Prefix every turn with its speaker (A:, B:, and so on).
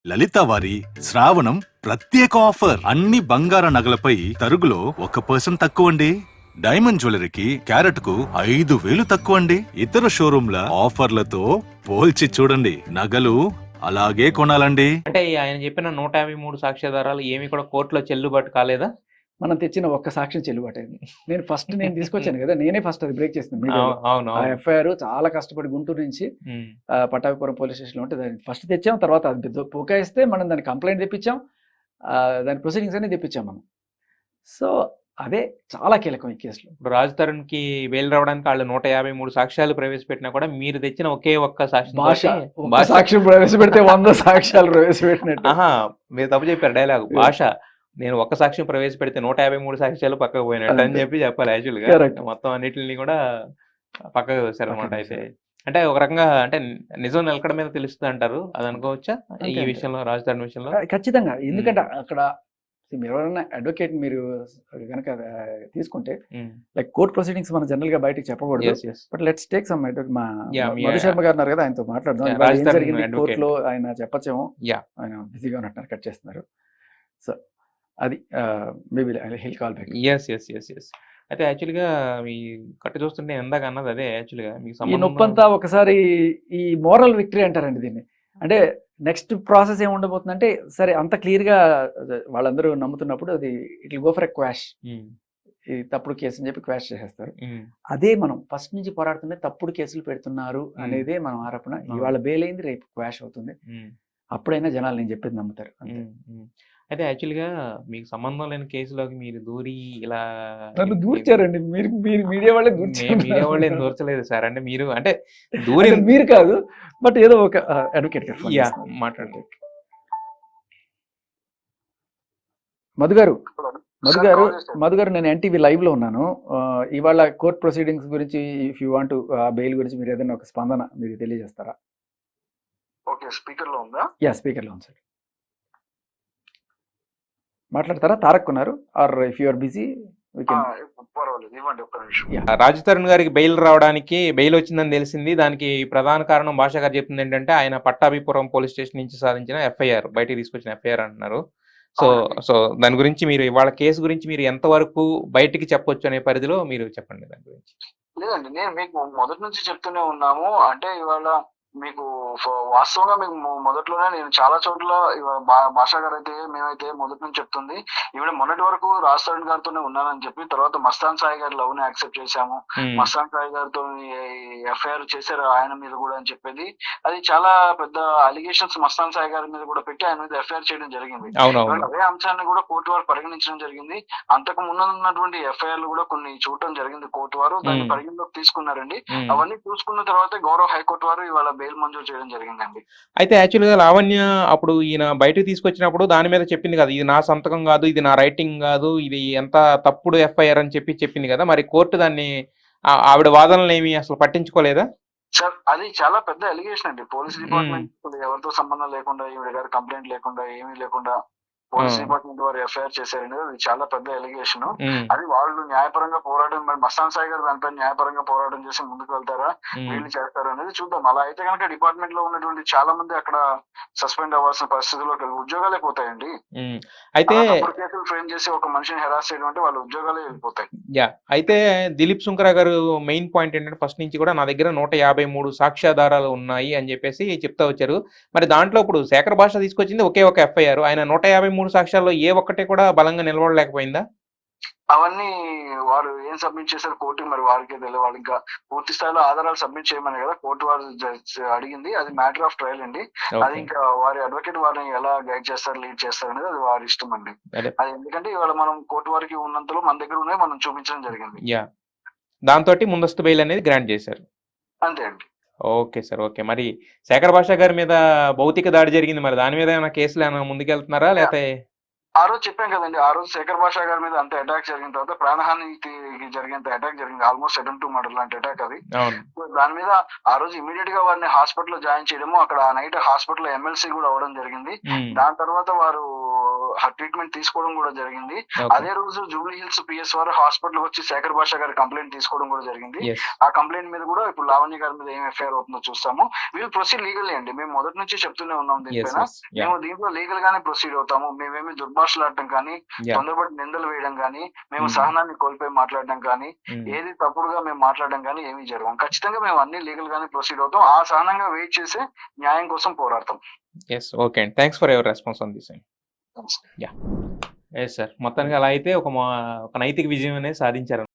A: లలిత వారి శ్రావణం ప్రత్యేక ఆఫర్ అన్ని బంగార నగలపై తరుగులో 1% తక్కువండి. డైమండ్ జ్యువెలరీకి క్యారెట్ కు 5,000 తక్కువండి. ఇతర షోరూంల ఆఫర్లతో పోల్చి చూడండి. నగలు అలాగే కొనాలండి.
B: అంటే ఆయన చెప్పిన 153 సాక్ష్యాధారాలు ఏమి కూడా కోర్టులో చెల్లుబాటు కాలేదా?
C: మనం తెచ్చిన ఒక్క సాక్ష్యం చెల్లుబాటైంది. నేను తీసుకొచ్చాను కదా, నేనే ఫస్ట్ అది బ్రేక్ చేసింది.
B: అవును
C: ఆ ఎఫ్ఐఆర్ చాలా కష్టపడి గుంటూరు నుంచి పట్టాభిపురం పోలీస్ స్టేషన్లో ఉంటే దాన్ని ఫస్ట్ తెచ్చాం. తర్వాత అది పుకాయిస్తే మనం దాన్ని కంప్లైంట్ తెప్పించాం, దాని ప్రొసీడింగ్స్ అన్ని తెప్పించాం మనం. సో అదే చాలా కీలకం ఈ కేసులో.
B: ఇప్పుడు రాజ్ తరుణ్ కి బెయిల్ రావడానికి వాళ్ళు 153 సాక్ష్యాలు ప్రవేశపెట్టినా కూడా మీరు తెచ్చిన ఒకే ఒక్క
C: సాక్ష్యం ప్రవేశపెడితే 100 సాక్ష్యాలు ప్రవేశపెట్టినట్టు.
B: మీరు తప్పు చెప్పారు డైలాగ్. భాష నేను ఒక్క సాక్ష్యం ప్రవేశపెడితే 153 సాక్ష్యాలు పక్కకు పోయినట్టు అని చెప్పాలి. యాక్చువల్ గా మొత్తం అన్నిటిని కూడా పక్కకు వేశారు అనమాట. అయితే అంటే ఒక రకంగా అంటే నిజం నిలకడ మీద తెలుస్తుంది అంటారు, అది అనుకోవచ్చా ఈ విషయంలో, రాజ్ తరుణ్ విషయంలో?
C: ఖచ్చితంగా. ఎందుకంటే అక్కడ మీరు ఎవరైనా అడ్వకేట్ మీరు కనుక తీసుకుంటే లైక్ కోర్ట్ ప్రొసీడింగ్స్ మనం జనరల్ గా బయటకు చెప్పకూడదు. But let's take some advocate. మా మధు శర్మ గారు ఉన్నారు కదా, ఆయనతో మాట్లాడదాం. ఏం జరిగింది కోర్టులో ఆయన చెప్పచ్చేమో, ఆయన బిజీగా ఉన్నట్టు కట్ చేస్తున్నారు. సో అది మేబీ హిల్ కాల్ బ్యాక్.
B: అయితే యాక్చువల్గా మీ కట్టు చూస్తుంటే ఎందాక అన్నది అదే. యాక్చువల్గా
C: ఈ నొప్పంతా ఒకసారి ఈ మోరల్ విక్టరీ అంటారండి దీన్ని. అంటే నెక్స్ట్ ప్రాసెస్ ఏమి ఉండబోతుందంటే, సరే అంత క్లియర్గా వాళ్ళందరూ నమ్ముతున్నప్పుడు అది it will go for a quash. ఈ తప్పుడు కేసు అని చెప్పి క్వాష్ చేసేస్తారు. అదే మనం ఫస్ట్ నుంచి పోరాడుతుంటే తప్పుడు కేసులు పెడుతున్నారు అనేదే మనం ఆరోపణ. ఇవాళ బెయిల్ అయింది, రేపు క్వాష్ అవుతుంది. అప్పుడైనా జనాలు నేను చెప్పేది నమ్ముతారు.
B: అయితే యాక్చువల్గా మీకు సంబంధం లేని కేసులోకి మీరు దూరి ఇలా
C: దూర్చారండి. మీరు మీడియా వాళ్ళే
B: మీడియా వాళ్ళు ఏం దూర్చలేదు సార్. అంటే మీరు అంటే దూరి
C: మీరు కాదు, బట్ ఏదో ఒక అడ్వకేట్
B: మాట్లాడారు.
C: మధు గారు నేను ఎన్టీవీ లైవ్ లో ఉన్నాను. ఇవాళ కోర్ట్ ప్రొసీడింగ్స్ గురించి, ఇఫ్ యూ వాంట్ బెయిల్ గురించి మీరు ఏదైనా ఒక స్పందన మీరు తెలియజేస్తారా?
D: ఓకే, స్పీకర్ లో ఉందా?
C: స్పీకర్ లో ఉంది సార్. మాట్లాడతారా? తారక్ ఉన్నారు, or if you are busy
B: Raj Tarun గారికి బెయిల్ రావడానికి, బెయిల్ వచ్చిందని తెలిసింది. దానికి ప్రధాన కారణం భాష గారు చెప్తుంది ఏంటంటే, ఆయన పట్టాభిపురం పోలీస్ స్టేషన్ నుంచి సాధించిన ఎఫ్ఐఆర్, బయటికి తీసుకొచ్చిన ఎఫ్ఐఆర్ అంటున్నారు. సో దాని గురించి మీరు ఇవాళ కేసు గురించి మీరు ఎంతవరకు బయటికి చెప్పొచ్చు అనే పరిధిలో మీరు చెప్పండి దాని గురించి.
D: లేదండి, నేను మీకు మొదటి నుంచి చెప్తూనే ఉన్నాము. అంటే ఇవాళ మీకు వాస్తవంగా మీకు మొదట్లోనే నేను చాలా చోట్ల భాషా గారు అయితే మేమైతే మొదటి నుంచి చెప్తుంది, ఈవిడ మొన్నటి వరకు రాజ్ తరుణ్ గారితోనే ఉన్నానని చెప్పి, తర్వాత మస్తాన్ సాయి గారి లవ్ ని యాక్సెప్ట్ చేశాము, మస్తాన్ సాయి గారితో ఎఫ్ఐఆర్ చేశారు ఆయన మీద కూడా అని చెప్పేది. అది చాలా పెద్ద అలిగేషన్స్ మస్తాన్ సాయి గారి మీద కూడా పెట్టి ఆయన మీద ఎఫ్ఐఆర్ చేయడం జరిగింది. అదే అంశాన్ని కూడా కోర్టు వారు పరిగణించడం జరిగింది. అంతకు ముందు ఉన్నటువంటి ఎఫ్ఐఆర్లు కూడా కొన్ని చూడటం జరిగింది. కోర్టు వారు దాన్ని పరిగణలోకి తీసుకున్నారండి. అవన్నీ చూసుకున్న తర్వాత గౌరవ హైకోర్టు వారు ఇవాళ బెయిల్ మంజూరు చేయడం జరిగిందండి.
B: అయితే యాక్చువల్గా లావణ్య అప్పుడు ఈయన బయటకు తీసుకొచ్చినప్పుడు దాని మీద చెప్పింది కదా, ఇది నా సంతకం కాదు, ఇది నా రైటింగ్ కాదు, ఇది ఎంత తప్పుడు ఎఫ్ఐఆర్ అని చెప్పింది కదా, మరి కోర్టు దాన్ని ఆవిడ వాదనలు ఏమి అసలు పట్టించుకోలేదా?
D: సార్, అది చాలా పెద్ద ఎలిగేషన్ అండి. పోలీస్ డిపార్ట్మెంట్ ఎవరితో సంబంధం లేకుండా, ఈవిడ గారు కంప్లైంట్ లేకుండా, ఏమీ లేకుండా పోలీస్ డిపార్ట్మెంట్ వారు ఎఫ్ఐఆర్ చేశారండి. అది చాలా పెద్ద ఎలిగేషన్. అది వాళ్ళు న్యాయపరంగా పోరాటం, మరి మస్తాన్ సాయి గారు దానిపై న్యాయపరంగా పోరాటం చేసి ముందుకు వెళ్తారా, వీళ్ళు చేస్తారా అనేది చూద్దాం. అలా అయితే కనుక డిపార్ట్మెంట్ లో ఉన్నటువంటి చాలా మంది అక్కడ సస్పెండ్ అవ్వాల్సిన పరిస్థితుల్లోకి ఉద్యోగాలే పోతాయండి.
B: అయితే
D: కేసులు ఫ్రేమ్ చేసి ఒక మనిషిని హెరాస్ చేయడం అంటే వాళ్ళ ఉద్యోగాలే వెళ్ళిపోతాయి.
B: అయితే దిలీప్ సుంకరా గారు మెయిన్ పాయింట్ ఏంటంటే, ఫస్ట్ నుంచి కూడా నా దగ్గర 153 సాక్ష్యాధారాలు ఉన్నాయి అని చెప్పేసి చెప్తా వచ్చారు. మరి దాంట్లో ఇప్పుడు శేఖర్ భాష తీసుకొచ్చింది ఒకే ఒక ఎఫ్ఐఆర్. ఆయన 153 సాక్ష్యాల్లో ఏ ఒక్కటే కూడా బలంగా నిలబడలేకపోయిందా?
D: అవన్నీ వారు ఏం సబ్మిట్ చేశారు కోర్టుకి, మరి వారికే తెలియదు. వాళ్ళు ఇంకా పూర్తి స్థాయిలో ఆధారాలు సబ్మిట్ చేయమని కదా కోర్టు వారు అడిగింది. అది మ్యాటర్ ఆఫ్ ట్రయల్ అండి. అది ఇంకా వారి అడ్వకేట్ వారిని ఎలా గైడ్ చేస్తారు, లీడ్ చేస్తారు అనేది అది వారి ఇష్టం అండి. అది ఎందుకంటే ఇవాళ మనం కోర్టు వారికి ఉన్నంతలో మన దగ్గర ఉన్నాయి, మనం చూపించడం జరిగింది.
B: దాంతో ముందస్తు బెయిల్ అనేది గ్రాంట్ చేశారు.
D: అంతే అండి.
B: Okay sir, okay. మరి శేఖర్ భాష గారి మీద భౌతిక దాడి జరిగింది, మరి దాని మీద ఏమైనా కేసులు ఏమైనా ముందుకెళ్తున్నారా? లేకపోతే
D: ఆ రోజు చెప్పాం కదండి, ఆ రోజు శేఖర్ భాష గారి మీద అంత అటాక్ జరిగిన తర్వాత ప్రాణహానికి జరిగేంత అటాక్ జరిగింది. ఆల్మోస్ట్ 7-2 మర్డర్ లాంటి అటాక్ అది. దాని మీద ఆ రోజు ఇమీడియట్ గా వారిని హాస్పిటల్ లో జాయిన్ చేయడము, అక్కడ ఆ నైట్ హాస్పిటల్ ఎమ్మెల్సీ కూడా అవ్వడం జరిగింది. దాని తర్వాత వారు ట్రీట్మెంట్ తీసుకోవడం కూడా జరిగింది.
B: ఓకే.
D: అదే రోజు జూబ్లీ హిల్స్ పిఎస్ వారు హాస్పిటల్ వచ్చి శేఖర్ భాషా గారి కంప్లైంట్ తీసుకోవడం కూడా జరిగింది.
B: ఎస్.
D: ఆ కంప్లైంట్ మీద కూడా ఇప్పుడు లావణ్య గారి మీద ఏం ఎఫ్ఐఆర్ అవుతుందో చూస్తాము. వీళ్ళు ప్రొసీడ్ లీగల్లీ అండి. మేము మొదటి నుంచి చెప్తూనే ఉన్నాం
B: ఎస్.
D: దీనిపైన.
B: ఎస్. యా.
D: మేము దీంట్లో లీగల్ గానే ప్రొసీడ్ అవుతాము. మేమేమి దుర్భాషలాడటం కానీ,
B: యా.
D: తొందరపడి నిందలు వేయడం కానీ, మేము
B: మ్మ్.
D: సహనాన్ని కోల్పోయి మాట్లాడడం కానీ,
B: మ్మ్.
D: ఏది తప్పుడుగా మేము మాట్లాడడం కానీ ఏమీ జరగం. ఖచ్చితంగా మేము అన్ని లీగల్ గానే ప్రొసీడ్ అవుతాం. ఆ సహనంగా వెయిట్ చేసి న్యాయం కోసం పోరాడతాం.
B: ఎస్. ఓకే అండి. Thanks for your response on this అండి. యా. Yes sir. మొత్తానికి అలా అయితే ఒక నైతిక విజయం అనేది సాధించారు.